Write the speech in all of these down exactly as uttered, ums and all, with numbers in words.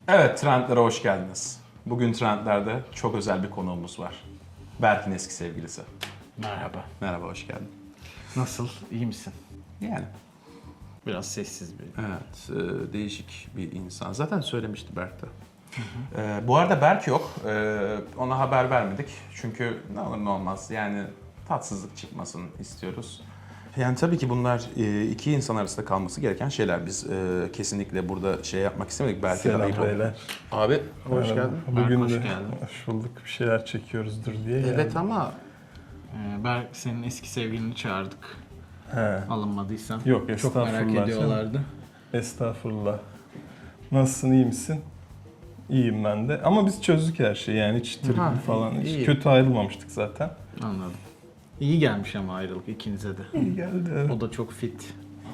Evet, trendlere hoş geldiniz. Bugün trendlerde çok özel bir konuğumuz var. Berk'in eski sevgilisi. Merhaba. Merhaba, hoş geldin. Nasıl? İyi misin? Yani, Biraz sessiz bir. evet, e, değişik bir insan. Zaten söylemişti Berk de. E, bu arada Berk yok. E, ona haber vermedik. Çünkü ne olur ne olmaz. Yani tatsızlık çıkmasın istiyoruz. Yani tabii ki bunlar e, iki insan arasında kalması gereken şeyler. Biz e, kesinlikle burada şey yapmak istemedik. Berk'e de Selam ayıp oldu. beyler. Abi, hoş Merhaba. geldin. Bugün Hoş de geldin. hoş bulduk. Bir şeyler çekiyoruzdur diye Evet geldim. ama Ee, Berk senin eski sevgilini çağırdık. He. Alınmadıysan. Yok, Çok merak estağfurullah ediyorlardı. Estağfurullah. Nasılsın, iyi misin? İyiyim ben de. Ama biz çözdük her şeyi yani hiç trip Ha, falan. Hiç iyi. kötü ayrılmamıştık zaten. Anladım. İyi gelmiş ama ayrılık ikinize de. İyi geldi. Evet. O da çok fit.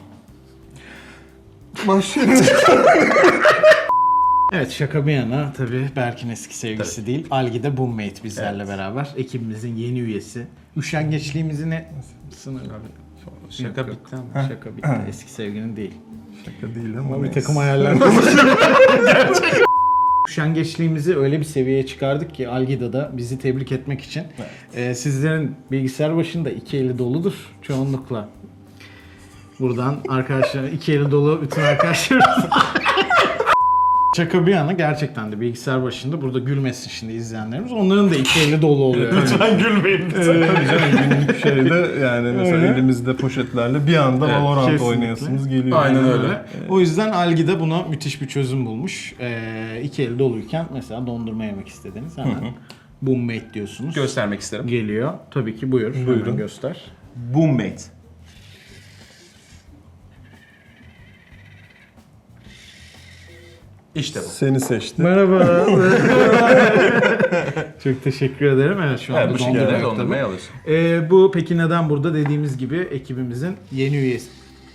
Başlayalım. Evet, şaka bir yana tabii Berk'in eski sevgilisi Tabii. değil. Algi de Boommate bizlerle Evet. beraber. Ekibimizin yeni üyesi. Üşengeçliğimizi ne sınır? şaka Yok, yok. bitti ama. Şaka bitti. Eski sevgilinin değil. Şaka değil ama Ama bir neyse. takım hayaller. Üşengeçliğimizi öyle bir seviyeye çıkardık ki Algida'da bizi tebrik etmek için. Ee, sizlerin bilgisayar başında iki eli doludur çoğunlukla. Buradan arkadaşlar iki eli dolu bütün arkadaşlarımız. Şaka bir yana gerçekten de bilgisayar başında burada gülmesin şimdi izleyenlerimiz. Onların da iki eli dolu oluyor. Lütfen gülmeyin. Tabii canım günlük şeyde yani mesela Öyle. elimizde poşetlerle bir anda Evet, Valorant kesinlikle. oynayasınız geliyor. Aynen Yani. öyle. O yüzden Algida buna müthiş bir çözüm bulmuş. Ee, iki eli doluyken mesela dondurma yemek istediniz hemen Boommate diyorsunuz. Göstermek isterim. Geliyor. Tabii ki buyur. Buyurun. Hemen göster. Boommate. İşte bu. Seni seçti. Merhaba. Çok teşekkür ederim. Evet şu anda Evet, bu şekilde dondurma yok dondurmayı tabii. alıyorsun. Ee, bu peki neden burada dediğimiz gibi ekibimizin yeni üyesi.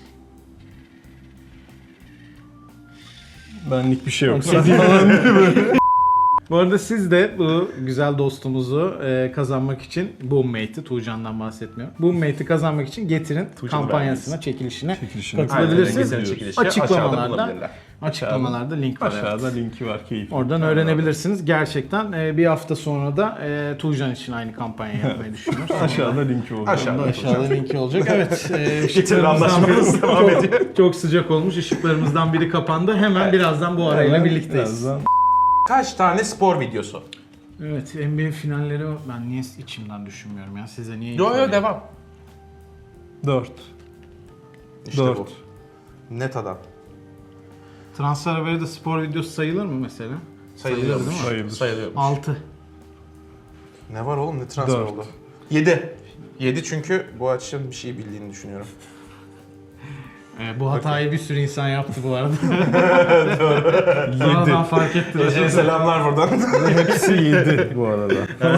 Benlik bir şey yok. Okey. Bu arada siz de bu güzel dostumuzu e, kazanmak için Boommate'i, Tuğcan'dan bahsetmiyorum. Boommate'i kazanmak için Getirin Tuğcan'ı kampanyasına, çekilişine Çekilişine katılabilirsiniz. Aynen, çekilişi aşağıda Açıklamalarda, bulabilirler. açıklamalarda link var. evet. Aşağıda linki var, keyifli. Oradan öğrenebilirsiniz. Gerçekten e, bir hafta sonra da e, Tuğcan için aynı kampanya yapmayı düşünüyoruz. Aşağıda linki olacak. Aşağıda. Aşağıda linki olacak. Evet. E, Getirin ışıklarımızdan anlaşmamız biri devam çok, ediyor. çok sıcak olmuş. Işıklarımızdan biri kapandı. Hemen birazdan bu arayla birlikteyiz. Birazdan. Kaç tane spor videosu? Evet, N B A finalleri ben niye içimden düşünmüyorum ya. Size niye? Yo yo ifade- devam. Dört. İşte Dört. bu. Net adam. Transfer haberi de spor videosu sayılır mı mesela? Sayılıyormuş. değil mi? Sayılır. Sayılıyormuş. altı. Ne var oğlum, ne transfer Dört. oldu? yedi. yedi çünkü bu açın bir şey bildiğini düşünüyorum. Ee, bu hatayı bir sürü insan yaptı bu arada. Sonradan Yedi. fark ettiler. Ece'ye selamlar buradan. Hepsi yedi bu arada.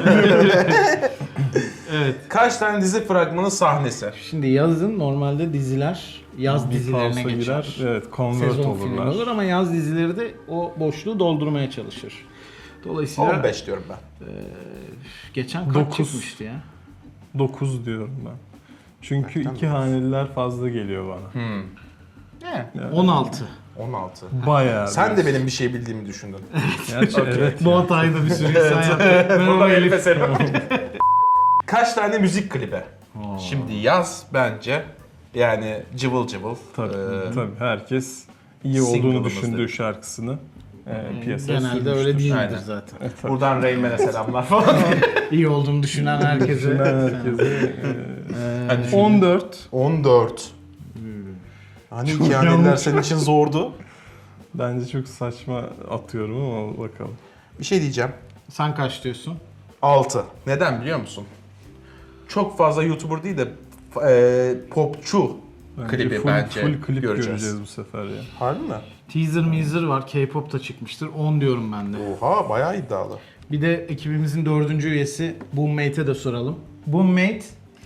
Evet. Kaç tane dizi fragmanı sahnesi? Şimdi yazın normalde diziler yaz Bir dizilerine pausa geçer. girer. Evet, convert Sezon filmi olurlar. olur ama yaz dizileri de o boşluğu doldurmaya çalışır. Dolayısıyla on beş diyorum ben. geçen kaç Dokuz. çıkmıştı ya? Dokuz diyorum ben. Çünkü Hakikaten iki haneliler fazla geliyor bana. Hmm. Ne? Yani on altı. on altı. Bayağı. Sen de diyorsun. benim bir şey bildiğimi düşündün. Gerçi evet. Bu hatayı da bir sürü insan yaptı. Merhaba Elif. Kaç tane müzik klibi? Oo. Şimdi yaz bence yani cıvıl cıvıl. Tabii, Ee, tabii. Herkes iyi olduğunu single'ımız düşündüğü dedi. şarkısını e, piyasaya Genelde sürmüştür. öyle değildir Aynen. zaten. Buradan Reymen'e selamlar falan. İyi olduğunu düşünen herkese. Düşünen herkese. Ee, Hadi e, on dört. on dört. Hani iki haneler senin için zordu. Bence çok saçma atıyorum ama bakalım. Bir şey diyeceğim. Sen kaç diyorsun? altı. Neden biliyor musun? Çok fazla YouTuber değil de e, popçu Bence klibi full, bence full klip göreceğiz. göreceğiz bu sefer ya. Harbi mi? Teaser measer var. K-pop da çıkmıştır. on diyorum ben de. Oha, bayağı iddialı. Bir de ekibimizin dördüncü üyesi Boommate'e de soralım. Boommate.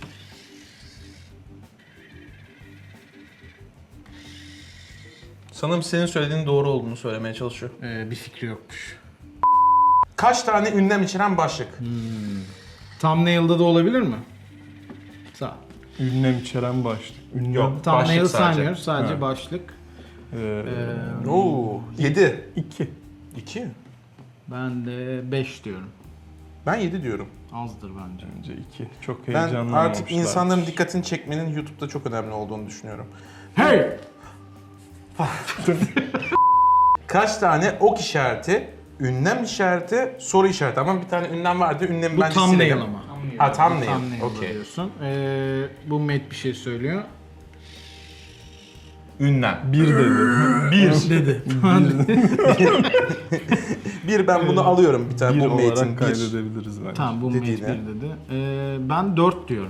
Sanırım senin söylediğin doğru olduğunu söylemeye çalışıyor. Ee, bir fikri yokmuş. Kaç tane ünlem içeren başlık? Thumbnail'da da olabilir mi? Sağ. Ünlem içeren başlık. Ünlem. Yok. Thumbnail Başlık sadece. saymıyoruz. Sadece Ha. başlık. Ee, Ee, Oo, yedi. iki. iki. Ben de beş diyorum. Ben yedi diyorum. Azdır bence. Bence iki. Çok Ben heyecanlanmamışlar. artık insanların dikkatini çekmenin YouTube'da çok önemli olduğunu düşünüyorum. Hey! Kaç tane ok işareti, ünlem işareti, soru işareti. Ama bir tane ünlem vardı. Ünlemi Bu bence thumbnail silelim. ama. Ha, thumbnail. Thumbnail Okey. diyorsun. Ee, bu Mate bir şey söylüyor. Ünlem. Bir dedi. Bir. Dedi. Bir ben bunu alıyorum bir tane bir bu mate'in olarak bir. kaydedebiliriz bence. Tamam bu Mate bir Dediğine. dedi. Ee, ben dört diyorum.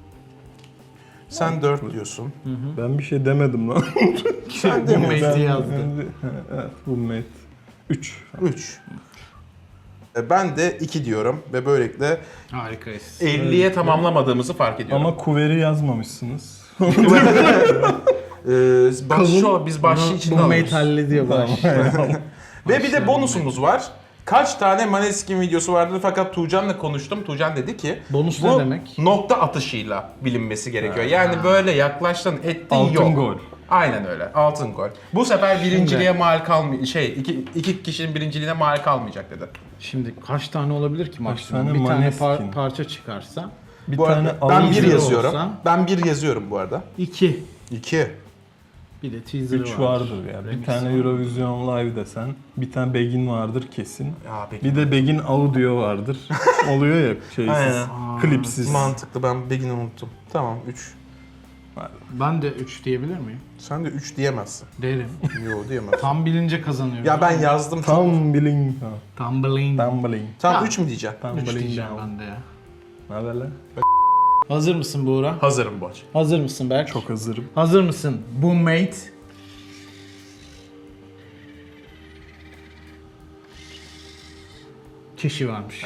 Sen dört diyorsun. Ben bir şey demedim lan. Sen de Bu mi? Mate'i yazdı. Evet, bu mate. üç. Üç. E, Ben de iki diyorum ve böylelikle Harikayız. elliye tamamlamadığımızı fark ediyorum. Ama kuveri yazmamışsınız. Ee, baş, şu, biz başlığı içinde Bu Mate alıyoruz. hallediyor baş. Ve bir de bonusumuz var. Kaç tane Maneskin videosu vardı fakat Tuğcan'la konuştum. Tuğcan dedi ki Bonus bu ne demek? nokta atışıyla bilinmesi gerekiyor. Yani böyle yaklaştın ettin Altın yok. gol. Aynen öyle. Altın gol. Bu sefer birinciliğe mal kalmay şey iki, iki kişinin birinciliğine mal kalmayacak dedi. Şimdi kaç tane olabilir ki maksimum? tane Bir tane Maneskin? par- parça çıkarsa. Bir Bu tane arada ben bir teaser yazıyorum. olsa- Ben bir yazıyorum bu arada. iki. İki. Bir de teaser'ı üç var. vardır ya. Bir Remix tane var. Eurovision Live desen, bir tane Begin vardır kesin. Ya peki. Bir de Begin Audio vardır. Oluyor ya şeysiz, Aynen. klipsiz. Mantıklı. Ben Begin'i unuttum. Tamam üç. Ben de üç diyebilir miyim? Sen de üç diyemezsin. Derim. Yok diyemezsin. Tam bilince kazanıyorum. Ya ben yazdım. Tam Tumbling. Tumbling. Tumbling. tam Tamam. üç mü diyeceğim? üç Tumbling diyeceğim down. ben de ya. Ne haber lan? Hazır mısın Buğra? Hazırım bu aç. Hazır mısın Berk? Çok hazırım. Hazır mısın? Bu Mate. Kişi varmış.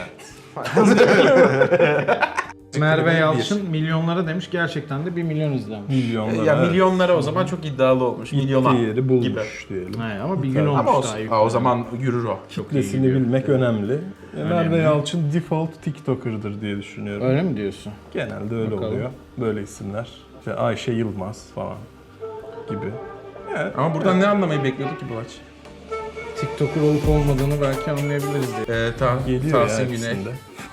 Merve Yalçın milyonlara demiş. Gerçekten de bir milyon izlenmiş. Milyonlar. Ya milyonlara o zaman çok iddialı olmuş. Milyona Gittiği yeri bulmuş gibi. diyelim. He, ama bir gün olmuş Ama daha olsun. yukarı. Aa, o zaman yürür o. Kitlesini bilmek önemli. E, Merve Yalçın default TikToker'dır diye düşünüyorum. Öyle mi diyorsun? Genelde öyle Bakalım. oluyor. Böyle isimler. İşte Ayşe Yılmaz falan gibi. Ama buradan ne anlamayı bekliyorduk ki bu aç? TikToker olup olmadığını belki anlayabiliriz diye. Ee, ta, Geliyor ya Tahsin Güney. hepsinde.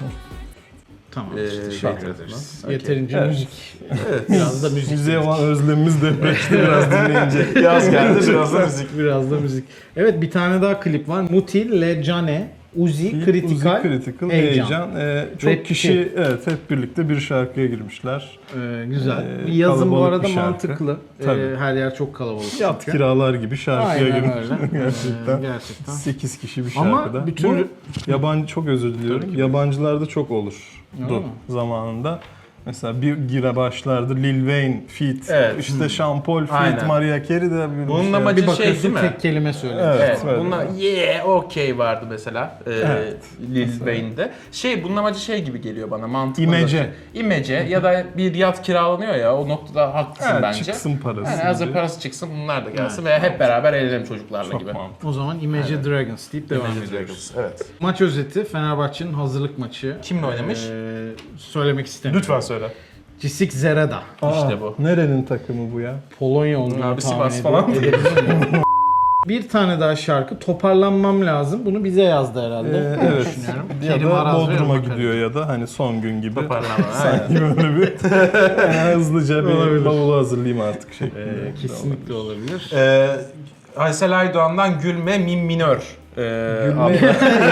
Tamam. Ee, Teşekkür teşekkür ederiz. ederiz. Yeterince Evet. müzik. Biraz da müzik. Müziğe olan özlemimiz depreşti biraz dinleyince. Yaz geldi biraz da müzik. Biraz da müzik. Evet bir tane daha klip var. Muti, Lecane, Uzi, Critical, Uzi Critical, Heyecan. Heyecan. Ee, çok Rap kişi evet hep birlikte bir şarkıya girmişler. Ee, güzel. Ee, bir yazım bu kalabalık arada bir şarkı. mantıklı. Tabii. Ee, her yer çok kalabalık. Yat çünkü. kiralar gibi şarkıya Aynen girmişler öyle. gerçekten. Ee, gerçekten. sekiz kişi bir Ama şarkıda. bir türlü- Bu yabancı çok özür diliyorum. Yabancılarda çok olurdu Öyle mi? zamanında. Mesela bir gira başlardı Lil Wayne feat, Evet. işte Sean Paul feat, Aynen. Mariah Carey de bir Bunun şey. amacı Bir şey bakıyorsun değil mi? tek kelime söylüyor. Evet. Evet, öyle. bununla yeah, okay vardı mesela ee, Evet. Lil Wayne'de. Şey, bunun amacı şey gibi geliyor bana, mantıklı. İmece. İmece ya da bir yat kiralanıyor ya, o noktada haklısın Evet, bence. çıksın parası. Yani hazır gibi. parası çıksın, bunlar da gelsin Evet, ve hep beraber eğlenelim çocuklarla Çok gibi. mantıklı. O zaman Imagine Dragons deyip devam Imagine ediyoruz. Dragons, evet. Maç özeti Fenerbahçe'nin hazırlık maçı. Kimle oynamış? Ee, söylemek istemiyorum. söyle. Cisik Zereda. Aa, İşte bu. Nerenin takımı bu ya? Polonya olduğunu Abi tahmin Sivas ediyorum. falan. Edebilir miyim? Bir tane daha şarkı toparlanmam lazım. Bunu bize yazdı herhalde. Ee, Öyle evet. düşünüyorum. Ya Kerim da Araz ve Bodrum'a Irmak gidiyor ya da hani son gün gibi. Toparlanma. Aynen. Sanki böyle bir yani hızlıca bir Olabilir. bavulu hazırlayayım artık Ee, şeklinde. kesinlikle olabilir. Ee, Aysel Aydoğan'dan Gülme Min Minör. Ee, Gülme, adlı-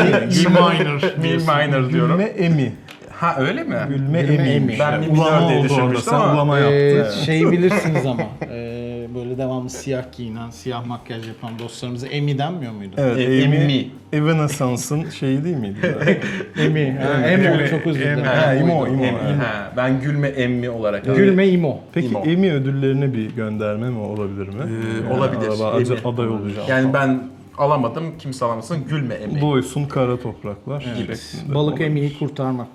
Mi minor. Mi minor diyorum. Gülme Emi. Ha öyle mi? Gülme, Gülme Emi. Emi. Ben Mi Ulama minör diye oldu orada. düşünmüştüm Sen ama. ulama Ee, yaptın. evet. şeyi bilirsiniz ama e, böyle devamlı siyah giyinen, siyah makyaj yapan dostlarımıza Emi denmiyor muydu? Evet, E- Amy, Emmi. Evanescence'ın şeyi değil miydi? Emi. Ha, Emo çok özür dilerim. Ha, İmo, Oydu. İmo. Emmi. evet. Ha, ben Gülme Emmi olarak aldım. Gülme İmo. Peki İmo. Emmy ödüllerine bir gönderme mi olabilir mi? Ee, Yani olabilir. araba aday- Emmy. aday olacağım. Yani ben alamadım, kimse alamasın. Gülme Emmi. Doysun kara topraklar Evet. şeklinde. Balık olabilir. Emi'yi kurtarmak.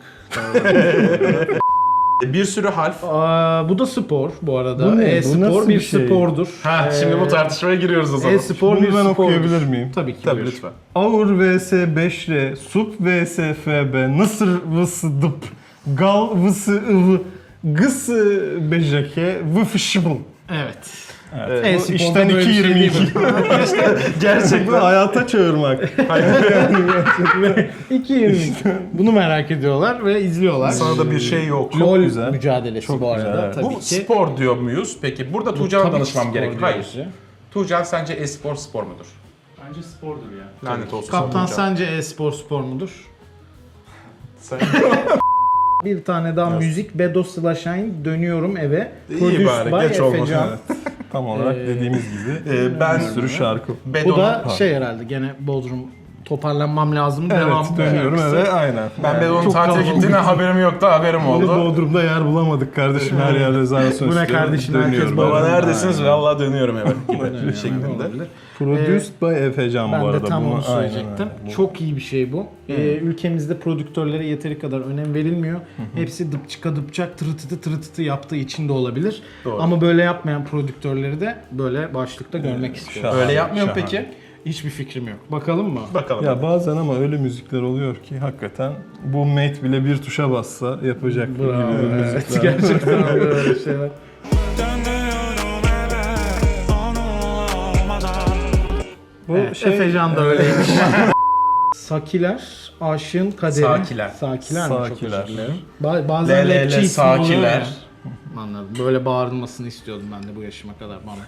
Bir sürü harf. Aa, bu da spor bu arada. Bu ne? Bu E-spor nasıl bir bir şey? spordur. Ha, Ee, şimdi bu tartışmaya giriyoruz o zaman. E-spor Bunu bir ben spordur. okuyabilir miyim? Tabii ki. Tabii buyur. lütfen. Avur vs beş R, Sup vs F B, Nısır vs Dıp, Gal vs Ivı, Gıs bejeke, Vıfışıbıl. Evet. Evet. Ee, Bu E-sporda işten böyle bir iki şey yirmi değil iki. mi? Gerçekten hayata çağırmak. iki yirmi iki. Bunu merak ediyorlar ve izliyorlar. Sana da bir şey yok. LoL güzel. mücadelesi Çok bu güzel, arada. evet. Tabii Bu ki. spor diyor muyuz? Peki burada Bu Tuğcan'a tabii ki danışmam spor gerek. diyoruz Hayır. ya. Tuğcan sence e-spor spor mudur? Bence spordur ya. Lanet olsun. Kaptan Tuğcan. sence e-spor spor mudur? Sen... Bir tane daha Yes. müzik Bedo Slaşayn dönüyorum eve. İyi Produced bari, by geç olmadı. Efecan. Evet. Tam olarak Ee, dediğimiz gibi Ee, ben bir sürü şarkı. Bu Bedo'nun... da şey herhalde gene Bodrum toparlanmam lazım. Devam Evet, dönüyorum şarkısı. eve aynen. Ben Bedo'nun Çok tatile kalabalık. gittiğine haberim yoktu, haberim Biz oldu. Bodrum'da yer bulamadık kardeşim, her yer rezervasyon Bu ne istiyor. kardeşim, herkes Dönüyorum baba ben. neredesiniz? Aynen. Vallahi dönüyorum eve gibi Dönüyorum, şeklinde. olabilir. Produced by Efecan bu Ben arada. de tam Bunu- onu aynen söyleyecektim. öyle. Bu- Çok iyi bir şey bu. Ee, ülkemizde prodüktörlere yeteri kadar önem verilmiyor. Hepsi dıpçıka dıpçak tırıtıtı tırıtıtı yaptığı için de olabilir. Doğru. Ama böyle yapmayan prodüktörleri de böyle başlıkta görmek istiyorum. şahane. Öyle yapmıyor mu Şahane. peki? Hiçbir fikrim yok. Bakalım mı? Bakalım. Ya bazen ama öyle müzikler oluyor ki hakikaten bu mate bile bir tuşa bassa yapacak Bravo. gibi Evet, müzikler. gerçekten böyle şeyler. Bu Evet, şey Efecan da öyleymiş. Sakiler, aşığın kaderi. Sakiler. Sakiler mi? Çok Sakiler. özür dilerim. Ba- bazen Le, le, rapçi le, ismi oluyor sakiler. ya. Anladım. Böyle bağırılmasını istiyordum ben de bu yaşıma kadar bana.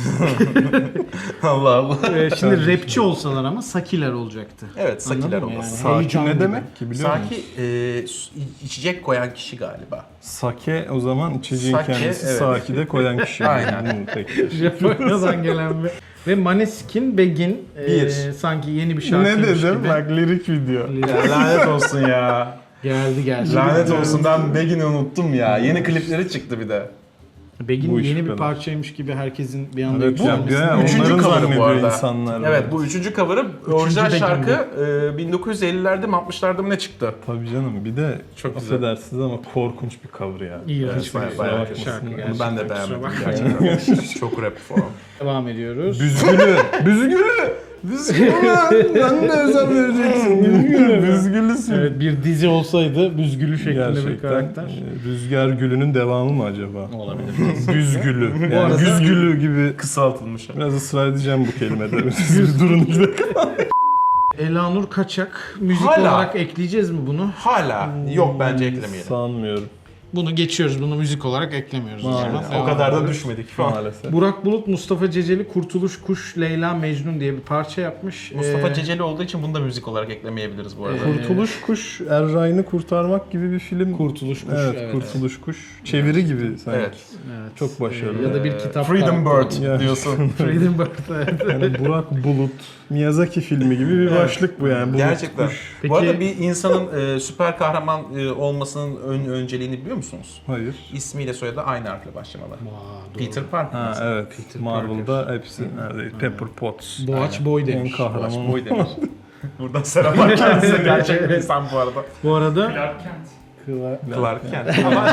Allah Allah. Ee, şimdi rapçi olsalar ama Sakiler olacaktı. Evet, Sakiler Anladın mı olması. yani? Saki Heyecan ne gibi. demek ki biliyor musun? Saki e, su- içecek koyan kişi galiba. Sake o zaman içeceğin Sake, kendisi evet. Saki'de koyan kişi. Aynen. Hmm, peki. Japonya'dan gelen bir. Ve Maneskin Begin e, Bir. sanki yeni bir Ne şarkıymış dedim? gibi. Bak lirik video. Lanet olsun ya. Geldi geldi. Lanet olsun, ben Begin'i unuttum ya. Yeni klipleri çıktı bir de. Begin Bu iş yeni bu bir kadar. parçaymış gibi herkesin bir anda Evet, ya, yükselmesi. ya, Üçüncü onların cover'ı bu zannediyor arada. insanlar. Evet, bu üçüncü cover'ı. Orijinal Begin şarkı e, bin dokuz yüz ellilerde mi altmışlarda mı ne çıktı? Tabii canım, bir de Çok güzel. affedersiniz ama korkunç bir cover ya. İğrenç bayağı- bir bayağı şarkı kötü. gerçekten. Onu ben de Kusura beğenmedim bakmayın. gerçekten. Çok rap falan. Devam ediyoruz. Büzgülü. Büzgülü. Büzgülü. Ben de özel vereceksin. Büzgülü. Büzgülüsün. Evet, bir dizi olsaydı büzgülü şeklinde bir Gerçekten karakter. e, Rüzgar Gülü'nün devamı mı acaba? Olabilir. Büzgülü. Yani arada- Güzgülü gibi Kısaltılmış. biraz ısrar edeceğim bu kelimede. Siz bir durun iki dakika. Elanur Kaçak. Müzik Hala. olarak ekleyeceğiz mi bunu? Hala yok, bence eklemeyelim. Sanmıyorum Bunu geçiyoruz. Bunu müzik olarak eklemiyoruz. o zaman. Maalesef. O Devam kadar da ediyoruz. düşmedik şu an. maalesef. Burak Bulut, Mustafa Ceceli, Kurtuluş Kuş, Leyla Mecnun diye bir parça yapmış. Mustafa Ee, Ceceli olduğu için bunu da müzik olarak eklemeyebiliriz bu arada. Ee, Kurtuluş Kuş, Erray'ını kurtarmak gibi bir film. Kurtuluş Kuş. Evet, evet. Kurtuluş Kuş. Çeviri gibi sanki. Evet. Evet. Çok başarılı. Ee, Ya da bir Ee, kitap. Freedom karakteri. Bird Ya. diyorsun. Freedom Bird. evet. Yani Burak Bulut, Miyazaki filmi gibi bir başlık bu yani. Bulut Gerçekten. Kuş. Peki- Bu arada bir insanın e, süper kahraman e, olmasının ön, önceliğini biliyor musunuz? Hayır. İsmiyle soyadı aynı harfle başlamalı. Aa, doğru. Peter Parker. Ha mesela. evet. Peter Marvel'da hepsi neredeydi? Pepper Potts. Boğaç Boy En demiş. kahraman. Boş boy demiş. Buradan selamlar kendisine. Gerçek bir insan bu arada. Bu arada Clark Kent. Clark Kent. Ama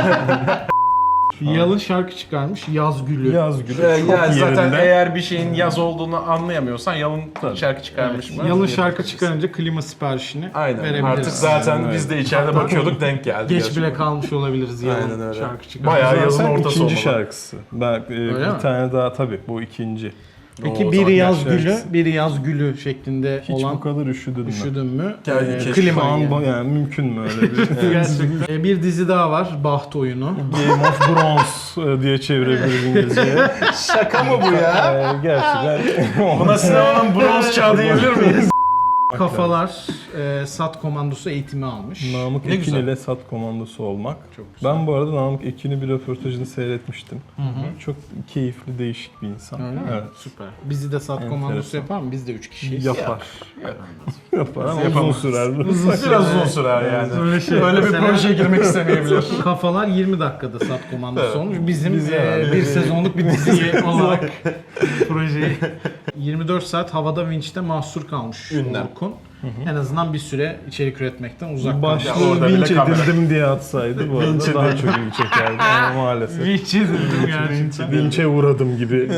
Yalın şarkı çıkarmış. Yaz Gülü. Yaz Gülü. e, çok ya zaten yerinde. eğer bir şeyin yaz olduğunu anlayamıyorsan yalın Tabii. şarkı çıkarmış mı? Yalın şarkı çıkarınca klima siparişini Aynen. verebiliriz. Artık zaten Aynen, biz de içeride bakıyorduk, denk geldi. Geç gerçekten. bile kalmış olabiliriz yalın Aynen öyle. şarkı çıkarınca. Bayağı yazın Zaten ortası ikinci olmalı. şarkısı. Ben, e, bir mi? tane daha tabii bu ikinci. Peki O biri zaman yaz gerçekten- gülü, biri yaz gülü şeklinde Hiç olan bu kadar üşüdün mü? üşüdün mü? Gel, Ee, keşke klima Şu an yani. bu- yani mümkün mü öyle bir? Gerçekten. Ee, bir dizi daha var. Baht Oyunu. Game of Thrones e, diye çevirebiliriz İngilizceye. Şaka mı bu ya? E, gerçekten. Buna sinemanın bronz çağı diyebilir miyiz? Kafalar e, SAT komandosu eğitimi almış. Namık Ne Ekin güzel. ile SAT komandosu olmak. Çok güzel. Ben bu arada Namık Ekin'i bir röportajını seyretmiştim. Hı hı. Çok keyifli, değişik bir insan. Öyle mi? Evet. Süper. Bizi de SAT Enteresan. komandosu yapar mı? Biz de üç kişiyiz. Yapar. Yapar ama uzun Yapamaz. sürer. Biraz uzun sürer yani. Öyle şey. Öyle bir Mesela- projeye girmek istemeyebilir. Kafalar yirmi dakikada SAT komandosu Evet. olmuş. Bizim Biz e, herhalde. bir sezonluk bir dizi olarak projeyi yirmi dört saat havada vinçte mahsur kalmış Ünlem. Orkun. En azından bir süre içerik üretmekten uzak kalmış. Ya Başlığı orada bile vinç kamera. edildim diye atsaydı bu arada daha çok ilgi çekerdi ama maalesef. Vinç edildim gerçekten. Vinç'e uğradım gibi.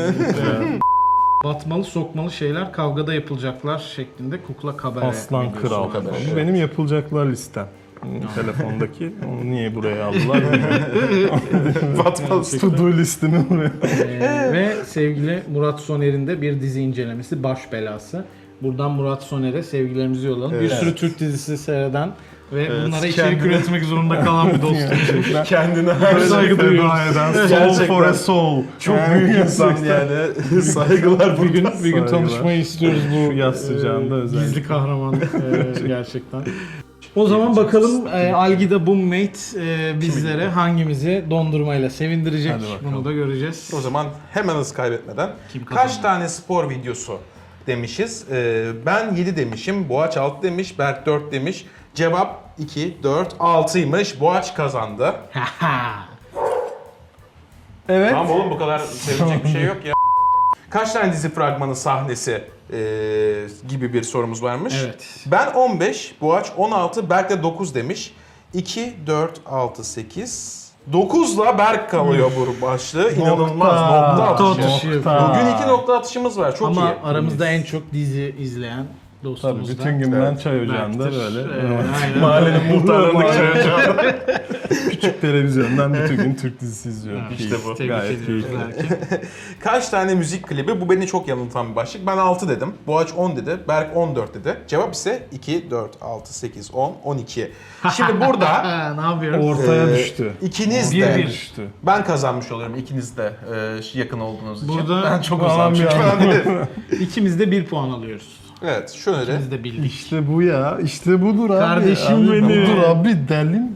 Batmalı sokmalı şeyler kavgada yapılacaklar şeklinde kukla kabare. Aslan videosu Kral. olmuş. Bu benim yapılacaklar listem. telefondaki. Onu niye buraya aldılar bilmiyorum. Batmaz. To do listimi buraya. Ee, ve sevgili Murat Soner'in de bir dizi incelemesi Baş Belası. Buradan Murat Soner'e sevgilerimizi yollayalım. Bir Evet. sürü Türk dizisi seyreden ve Evet, bunlara içerik kendine- üretmek zorunda kalan bir dostum. Kendine Her saygı Feda duyuyoruz. eden Gerçekten. soul for a soul. Çok Yani büyük insan yani. Saygılar Bir gün, buradan. bir gün Saygılar. tanışmayı istiyoruz bu Şu yaz sıcağında e, özellikle. gizli kahraman e, gerçekten. O zaman bakalım e, Algida Boommate e, bizlere hangimizi dondurmayla sevindirecek. Hadi bakalım. Bunu da göreceğiz. O zaman hemen hız kaybetmeden Kim kaç kazandı? tane spor videosu demişiz? Ee, ben yedi demişim, Boğaç altı demiş, Berk dört demiş. Cevap iki, dört, altıymış. Boğaç kazandı. Evet. Tamam oğlum bu kadar sevinecek bir şey yok ya. Kaç tane dizi fragmanı sahnesi ee, gibi bir sorumuz varmış. Evet. Ben on beş, Boğaç on altı, Berk de dokuz demiş. iki, dört, altı, sekiz. dokuzla Berk kalıyor bu başlığı. İnanılmaz. Nokta, Nokta atışı. atışı. Nokta. Bugün iki nokta atışımız var. Çok Ama iyi. aramızda en çok dizi izleyen Tabii dostumuz da. bütün gün ben Evet. çay ocağında Berk'tir. böyle. Ee, aynen. Mahallenin muhtarlarındaki çay ocağı. Küçük televizyondan bütün gün Türk dizisi izliyorum. Evet, İşte bu. Tebrik Gayet ediyoruz keyifli. Berk'i. Kaç tane müzik klibi? Bu beni çok yanıltan bir başlık. Ben altı dedim. Boğaç on dedi. Berk on dört dedi. Cevap ise iki, dört, altı, sekiz, on, on iki. Şimdi burada Ha, ne yapıyoruz? Ortaya e, düştü. ikiniz Bir de bir. Düştü. ben kazanmış oluyorum ikiniz de e, yakın olduğunuz için. Burada- ben çok Tamam uzağım çünkü ya. ben de- İkimiz de bir puan alıyoruz. Evet şöyle. İkimiz de bildik. İşte bu ya. İşte budur abi. Kardeşim Abi, benim. Budur abi delim.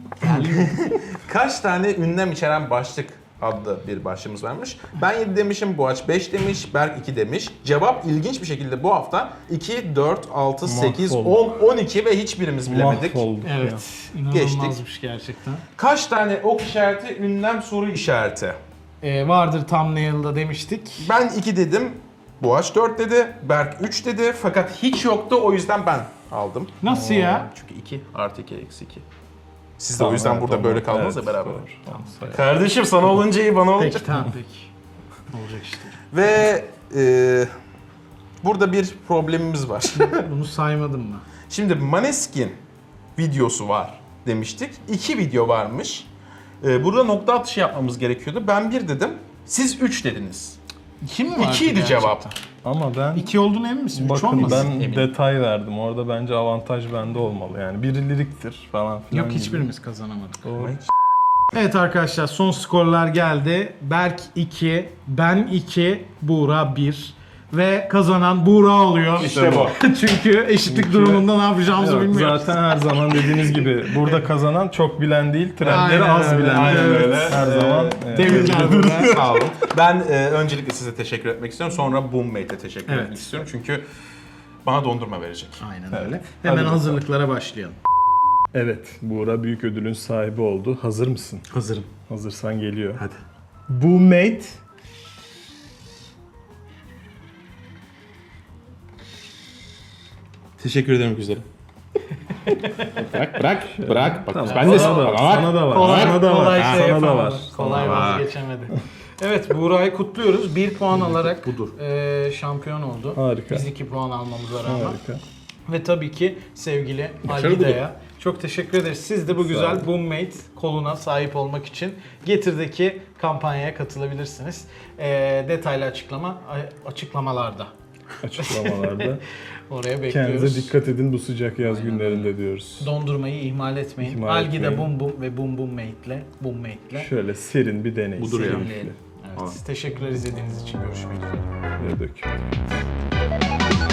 Kaç tane ünlem içeren başlık adlı bir başlığımız varmış. Ben yedi demişim, Boğaç beş demiş, Berk iki demiş. Cevap ilginç bir şekilde bu hafta iki, dört, altı, sekiz, on, Mahvolduk. on iki ve hiçbirimiz bilemedik. Mahvolduk ya. Evet. İnanılmazmış gerçekten. Kaç tane ok işareti, ünlem soru işareti? Ee, vardır thumbnail'da demiştik. Ben iki dedim, Boğaç dört dedi, Berk üç dedi fakat hiç yoktu o yüzden ben aldım. Nasıl ya? Çünkü iki artı iki eksi iki. Siz de Tamam, o yüzden evet, burada tamam. böyle kaldınız Evet, ya beraber. doğru. Tamam, sayalım. Kardeşim sana olunca iyi bana olunca. Peki tamam peki. Olacak işte. Ve e, burada bir problemimiz var. Bunu saymadım mı? Şimdi Maneskin videosu var demiştik. İki video varmış. E, burada nokta atışı yapmamız gerekiyordu. Ben bir dedim. Siz üç dediniz. İki mi vardı İkiydi gerçekten? cevap. Ama ben İki olduğunu emin misin? Üç bakın olmasın? ben eminim. detay verdim. Orada bence avantaj bende olmalı. Yani biri liriktir falan filan. Yok gibi. hiçbirimiz kazanamadık. Doğru. Evet arkadaşlar son skorlar geldi. Berk iki, ben iki, Buğra bir. Ve kazanan Buğra oluyor. İşte bu. Çünkü eşitlik Çünkü- durumunda ne yapacağımızı Yok, bilmiyoruz. zaten her zaman dediğiniz gibi burada kazanan çok bilen değil, trendleri Aynen az öyle, bilen. aynen Evet, öyle. Her Ee, zaman. e, Tebrikler Buğra. Sağ olun. Ben e, öncelikle size teşekkür etmek istiyorum. Sonra Boommate'e teşekkür Evet. etmek istiyorum. Çünkü bana dondurma verecek. Aynen Evet. öyle. Hadi Hemen bakalım. hazırlıklara başlayalım. Evet, Buğra büyük ödülün sahibi oldu. Hazır mısın? Hazırım. Hazırsan geliyor. Hadi. Boommate Teşekkür ederim güzelim. Bırak bırak bırak. Bak, Tamam. ben de Sana da var. Sana da var. Kolay, Sana da var. kolay şey Sana da yapamadı. var. Kolay Sana var. vazgeçemedi. Evet Buğra'yı kutluyoruz. Bir puan alarak budur. e, şampiyon oldu. Harika. Biz iki puan almamıza rağmen. Harika. Ve tabii ki sevgili Başarı Algida'ya çok teşekkür ederiz. Siz de bu güzel olun. Boommate koluna sahip olmak için Getir'deki kampanyaya katılabilirsiniz. E, detaylı açıklama a- açıklamalarda. Açıklamalarda. Oraya bekliyoruz. Kendinize dikkat edin bu sıcak yaz Aynen günlerinde diyoruz. Dondurmayı ihmal etmeyin. İhmal Algida etmeyin. Bum Bum ve Bum Bum Mate'le Bum Mate'le Şöyle serin bir deney. Budur ya. Serin. dinleyelim. Evet. Tamam. Teşekkürler izlediğiniz için. Görüşmek üzere. Ne döküyor.